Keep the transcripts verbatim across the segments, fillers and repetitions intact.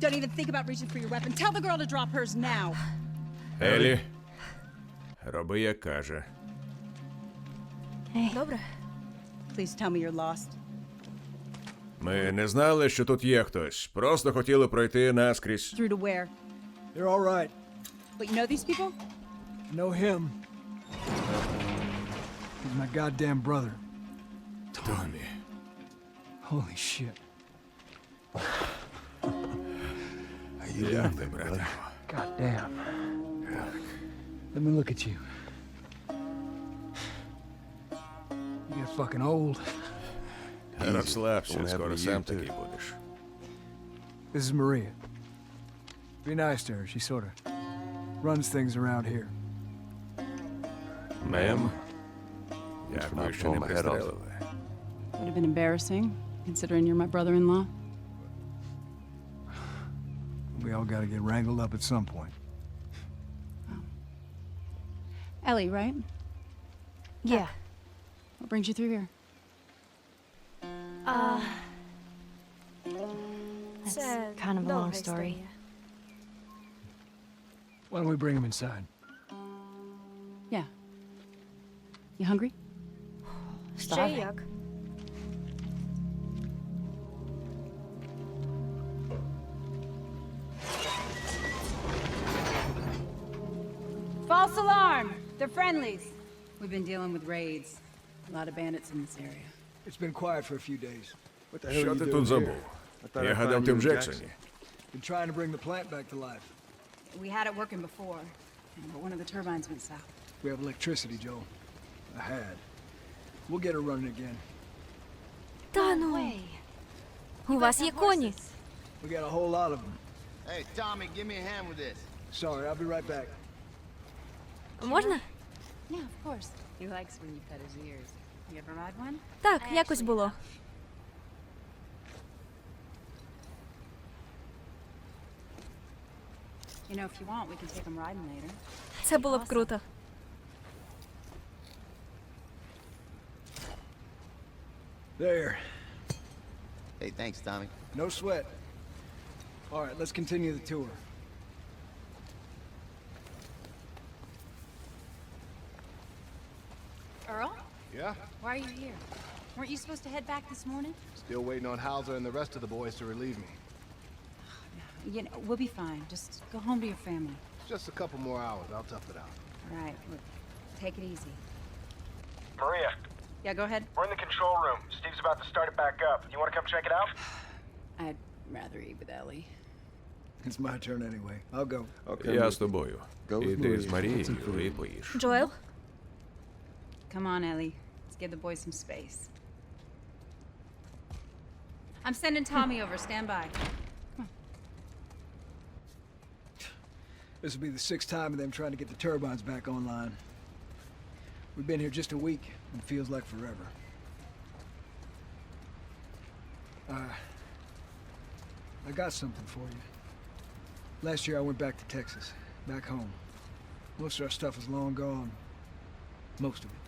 Don't even think about reaching for your weapon. Tell the girl to drop hers now. Елі, роби, як каже. Добре. Please tell me you're lost. Ми не знали, що тут є хтось. Просто хотіли пройти наскрізь. Through to where? They're all right. But you know these people? I know him. He's my goddamn brother. Томі. Holy shit. Як ти, брате? Goddamn. Let me look at you. You get fucking old. Розслабся, скоро сам такий будеш. This is Maria. Be nice to her. She sort of runs things around here. Мем? Дякую, що не пристрелили. Would have been embarrassing, considering you're my brother-in-law. We all gotta get wrangled up at some point. Ellie, right? Yeah. What brings you through here? Uh, That's це kind of a long довга story. історія. Why don't we bring him inside? Yeah. You hungry? Ще Starving. як. False alarm! They're friendlies. We've been dealing with raids. A lot of bandits in this area. It's been quiet for a few days. What the hell Що are you ти doing тут here? забув? Я гадав, ти в Джексоні. Been trying to bring the plant back to life. We had it working before, but one of the turbines went south. We have electricity, Joe. I had. We'll get her running again. Та ну. У вас є коні. We got a whole lot of them. Hey, Tommy, give me a hand with this. Sorry, I'll be right back. Можна? Yeah, of course. He likes when you pet his ears. You ever ride one? Так, якось було. You know, if you want, we can take him riding later. Це було б круто. There. Hey, thanks, Tommy. No sweat. All right, let's continue the tour. Earl? Yeah? Why are you here? Weren't you supposed to head back this morning? Still waiting on Hauser and the rest of the boys to relieve me. You know, we'll be fine. Just go home to your family. It's just a couple more hours. I'll tough it out. All right, look, take it easy. Maria, Yeah, go ahead. we're in the control room. Steve's about to start it back up. You want to come check it out? I'd rather eat with Ellie. It's my turn anyway. I'll go. Я з тобою. Іди з Марією і поїж. Джоел? Come on, Ellie. Let's give the boys some space. I'm sending Tommy over. Stand by. This will be the sixth time of them trying to get the turbines back online. We've been here just a week, and it feels like forever. Uh, I got something for you. Last year I went back to Texas, back home. Most of our stuff is long gone. Most of it.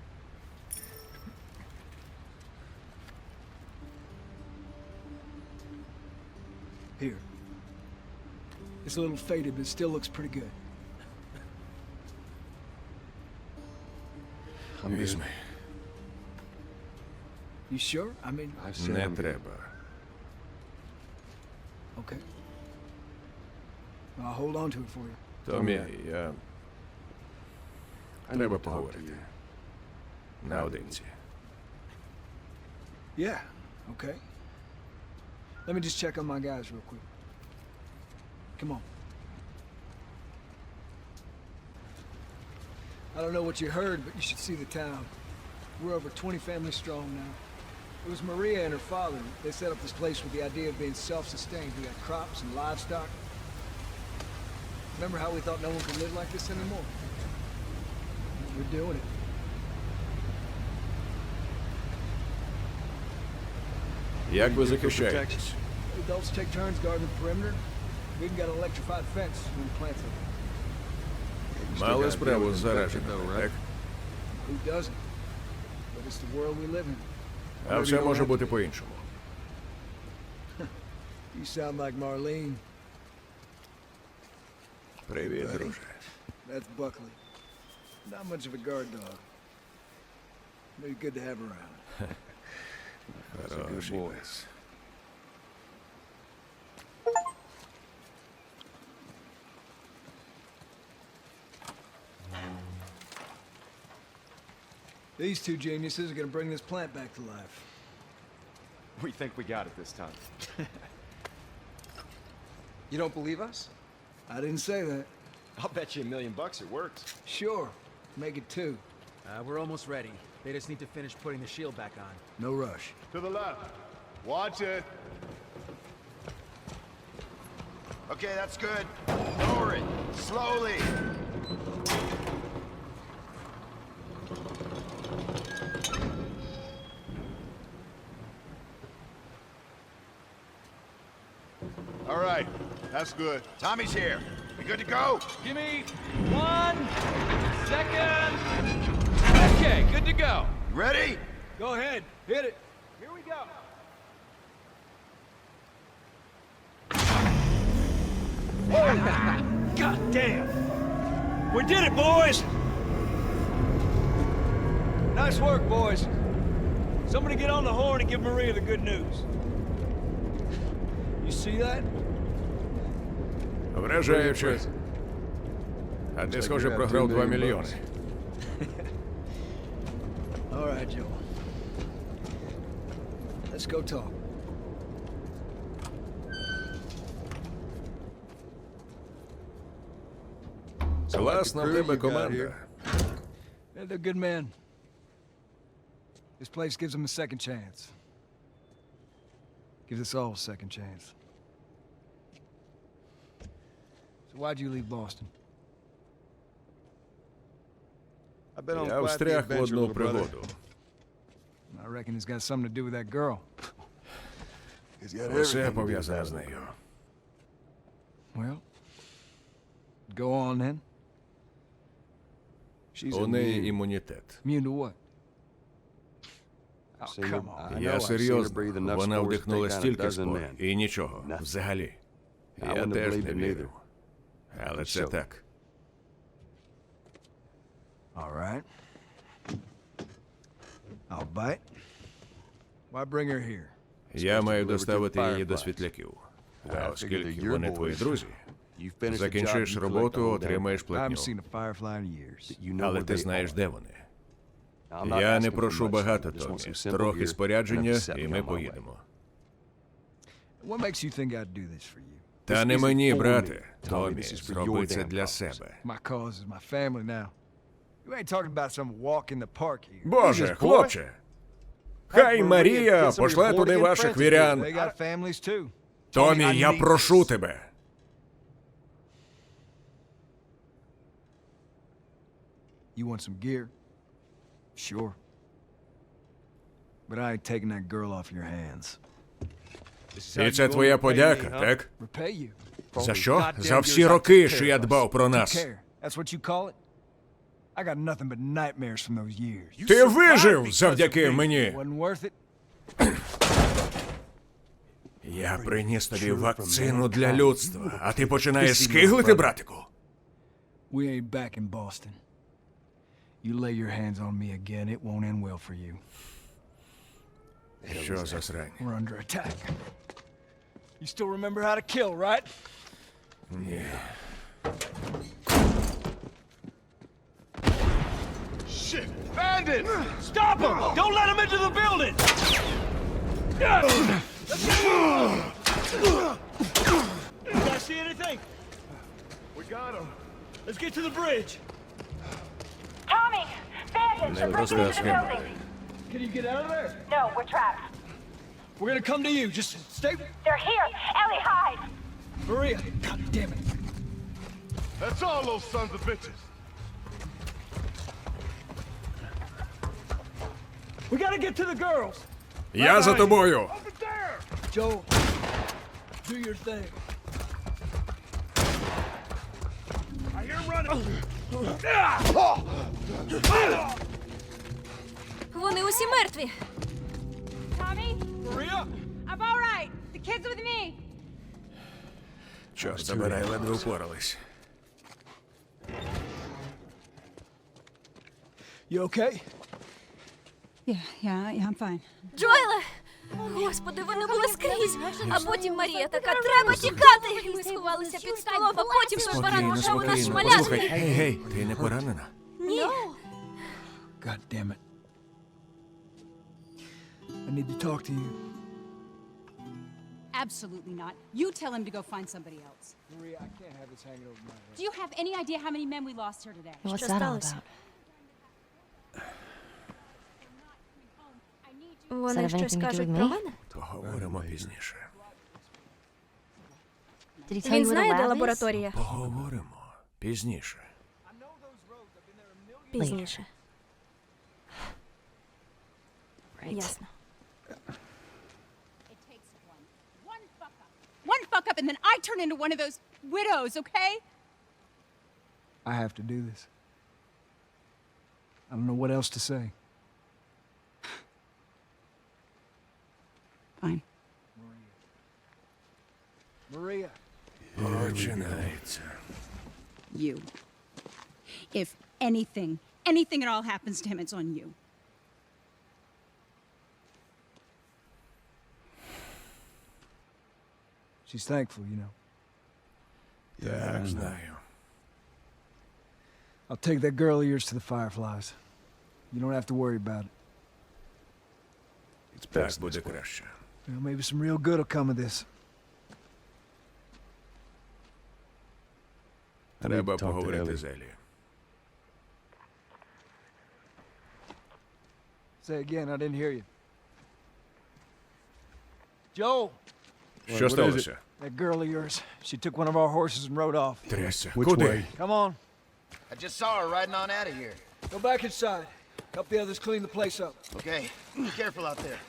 Here. It's a little faded, but it still looks pretty good. Візьми. You sure? I mean, Не треба. okay. I'll hold on to it for you. Томі, я... Треба поговорити. Наодинці. Yeah, okay. Let me just check on my guys real quick. Come on. I don't know what you heard, but you should see the town. We're over twenty families strong now. It was Maria and her father. They set up this place with the idea of being self-sustained. We got crops and livestock. Remember how we thought no one could live like this anymore? We're doing it. Як ви захищаєтесь? Adults take turns guarding the perimeter. We even got an electrified fence when we planted it. Мали справу з зараженими, так? Who doesn't? But it's the world we live in. А все може бути по-іншому. You sound like Marlene. Привіт, друже. That's Buckley. Not much of a guard dog. But he's good to have around. Хороший пес. These two geniuses are gonna bring this plant back to life. We think we got it this time. You don't believe us? I didn't say that. I'll bet you a million bucks it works. Sure. Make it two. Uh, we're almost ready. They just need to finish putting the shield back on. No rush. To the left. Watch it. Okay, that's good. Lower it. Slowly. All right. That's good. Tommy's here. We good to go? Give me one second. Okay, good to go. You ready? Go ahead. Hit it. Here we go. God damn! We did it, boys! Nice work, boys. Somebody get on the horn and give Maria the good news. You see that? Вражаюче. А ти, схоже, програв два мільйони. All right, Joel. Let's go talk. Класна в тебе команда. Yeah, they're good men. This place gives them a second chance. Gives us all a second chance. So why'd you leave Boston? I've been on Я quite the встряг в adventure, одну little brother. пригоду. I reckon it's got something to do with that girl. He's got Усе everything to do with пов'язане that з нею. Well, go on then. She's У неї immune. імунітет. Immune to what? Oh, Seen her- come on. I know, Я I've seen her серйозно. breathe enough Вона spores to вдихнула take down a стільки dozen спор. men. І нічого. Nothing. Взагалі. I Я wouldn't have теж believed не it вірив. neither. Але це So- так. All right. I'll bite. Why bring her here? Я маю доставити її Fireflies. до світляків. I А figured оскільки that your вони твої boys- друзі, You finish the job, закінчиш you collect роботу, all that. отримаєш I платню. haven't seen a firefly in years. You know Але where ти they знаєш, are. де вони. I'm not Я asking не for прошу much. багато, I just want Томі. some simple Трохи gear спорядження, and a set і me ми on my way. поїдемо. What makes you think I'd do this for you? Та This не isn't мені, for брате. me, Tommy, Томі, this is for зроби your це damn для problems. себе. My cause is my family now. You ain't talking about some walk in the park here. Боже, хлопче! Хай Марія пошле туди ваших вірян. They got families too. Томі, я прошу тебе. You want some gear? Sure. But I ain't taking that girl off your hands. І це твоя подяка, так? Repay you. За що? За всі роки, що я дбав про нас. Care. That's what you call it? I got nothing but nightmares from those years. Ти вижив завдяки мені. Wasn't worth it? Я приніс тобі вакцину для людства, а ти починаєш скиглити, братику? We ain't back in Boston. You lay your hands on me again, it won't end well for you. Що за срань? We're under attack. You still remember how to kill, right? Ні. Shit! Bandits! Stop him! Don't let him into the building! You guys see anything? We got him. Let's get to the bridge. Tommy! Bandits Не are breaking into the розказуй. building! Can you get out of there? No, we're trapped. We're gonna come to you. Just stay. They're here! Ellie, hide! Maria, God damn it. That's all those sons of bitches. We gotta get to the girls. Я за тобою. Over there! Joe, do your thing. I hear him running. Вони усі мертві. Tommy? Maria? I'm all right. The kid's with me. Чорт забирай, ледве впорались. You okay? Yeah, yeah, yeah, I'm fine. Джоеле! Господи, вони були скрізь. А потім Марія така, треба тікати! Ми сховалися під столом, а потім той баран Спокійно, почав у нас спокійно. шмаляти. Послухай, гей, гей, ти не поранена? Ні. God damn it. I need to talk to you. Absolutely not. You tell him to go find somebody else. Maria, I can't have this hanging over my head. Do you have any idea how many men we lost here today? Що сталося? Вони щось кажуть про мене? Поговоримо пізніше. Він знає, де лабораторія? Поговоримо пізніше. Пізніше. Ясно. It takes one. One fuck up. One fuck up and then I turn into one of those widows, okay? I have to do this. I don't know what else to say. Fine. Maria. Починається. You. If anything, anything at all happens to him, it's on you. She's thankful, you know. Так, знаю. I'll take that girl of yours to the Fireflies. You don't have to worry about it. Так буде краще. Well, maybe some real good will come of this. Треба поговорити з Елі. Say again, I didn't hear you. Joel, Що сталося? that girl of yours, she took one of our horses and rode off. Трясся. Куди? Come on, I just saw her riding on out of here. go back inside. Help the others clean the place up. Okay, be careful out there.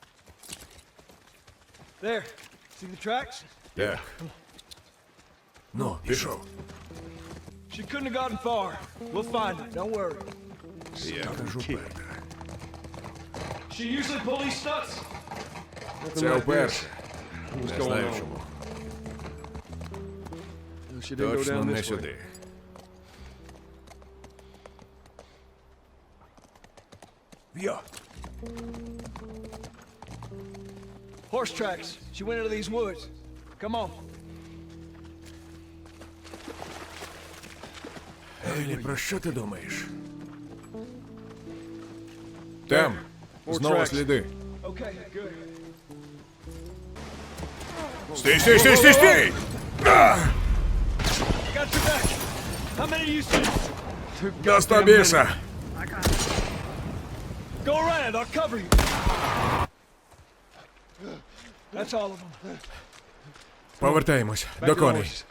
There, see the tracks? Так. Ну, пішов. She couldn't have gotten far. We'll find her, don't worry. Я кажу Петра. She usually pull these stunts. Це вперше. Не знаю чому. Точно не сюди. Йо. Horse tracks. She went into these woods. Come on. Елі, про що ти думаєш? Там. Знову сліди. Okay, good. Стій, стій, стій, стій, стій! I got your back. How many do you see? Доста біса! Go around, I'll cover you. That's all of them. Повертаємось до коней.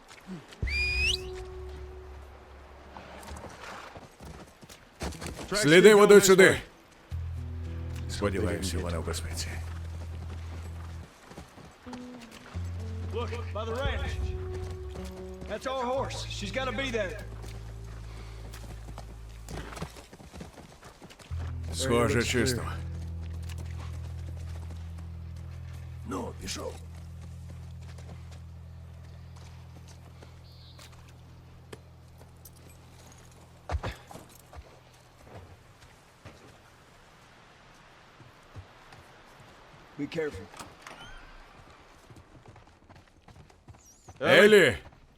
Сліди ведуть сюди. Сподіваюся, вона в безпеці. Look, by the ranch. That's our horse. She's got to be there. Схоже, чисто. Ну, пішов. Be careful. Елі!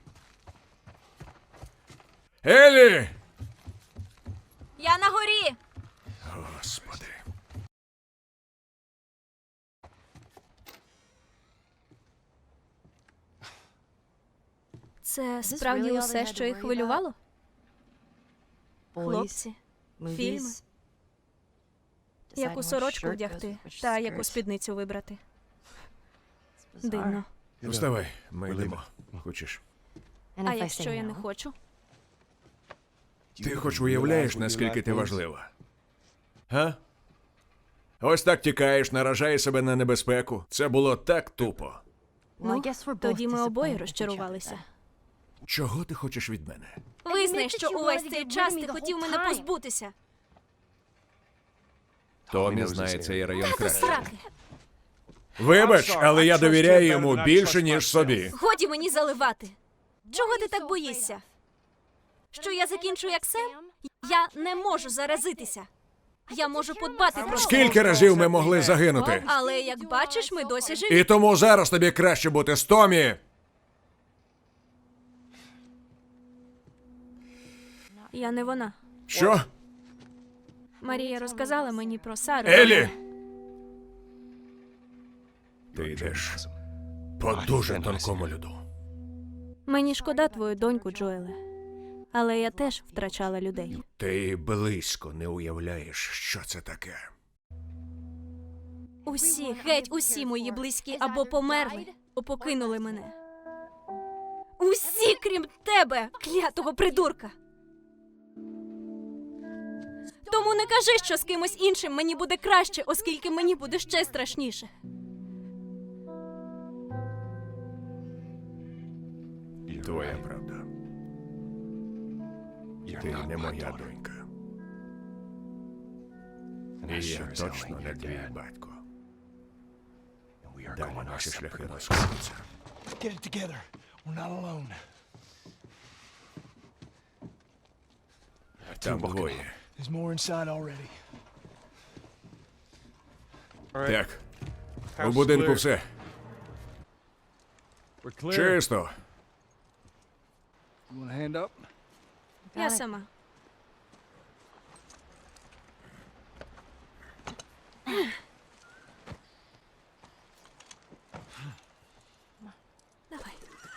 Елі! Я на горі! Господи. Це справді усе, що їх хвилювало? Хлопці, фільми, яку сорочку вдягти та яку спідницю вибрати. Дивно. Вставай, ми йдемо. Хочеш? А якщо я не хочу? Ти хоч уявляєш, наскільки ти важлива? Га? Ось так тікаєш, наражаєш себе на небезпеку. Це було так тупо. Ну, тоді ми обоє розчарувалися. Чого ти хочеш від мене? Визнай, що увесь цей час ти хотів мене позбутися. Томі знає цей район Та краще. сраки. Вибач, але я довіряю йому більше, ніж собі. Годі мені заливати. Чого ти так боїшся? Що я закінчу як Сем? Я не можу заразитися. Я можу подбати про Скільки разів ми могли загинути? Але, як бачиш, ми досі живі. І тому зараз тобі краще бути з Томі. Я не вона. Що? Марія розказала мені про Сару. Елі! Ти йдеш по дуже тонкому льоду. Мені шкода твою доньку, Джоеле. Але я теж втрачала людей. Ти і близько не уявляєш, що це таке. Усі, геть усі мої близькі або померли, або покинули мене. Усі, крім тебе, клятого придурка. Тому не кажи, що з кимось іншим мені буде краще, оскільки мені буде ще страшніше. Твоя правда. Ти не моя донька. І я точно не твій батько. Далі наші шляхи розходяться. Get it together. We're not alone. Там двоє. There's more inside already. Так. У будинку все. Чисто. You want a hand up? Я сама. Давай.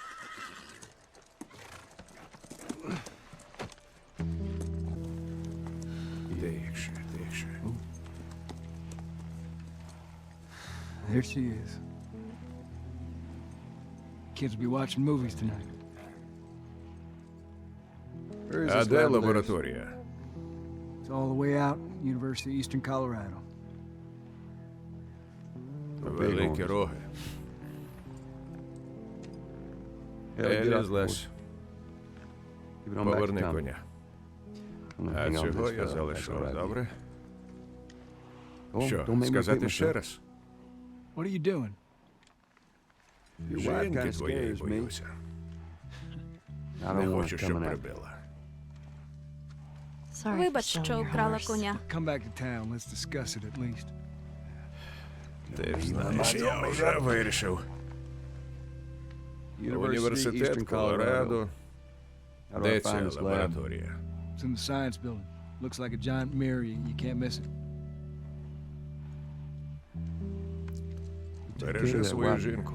Тихше, тихше. There she is. Kids will be watching movies tonight. Where is А this де lab of theirs? лабораторія? It's all the way out, University of Eastern Colorado. Великі роги. Елі, злазь. Поверни коня. А цього я залишу, добре? Що, сказати ще раз? What are you doing? Жінки твоєї боюся. Не хочу, щоб прибила. Вибач, що вкрала коня. Come back to town, let's discuss it at least. Ти ж знаєш, я вже вирішив. Університет Колорадо. Де ця лабораторія? It's in the science building. Looks like a giant mirror, you, you can't miss it. Бережи свою жінку.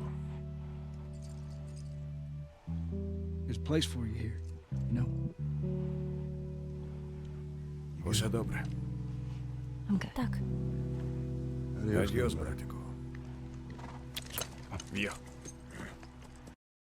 There's a place for you here, you know? Усе добре. Так. Адьос, братику. Йо.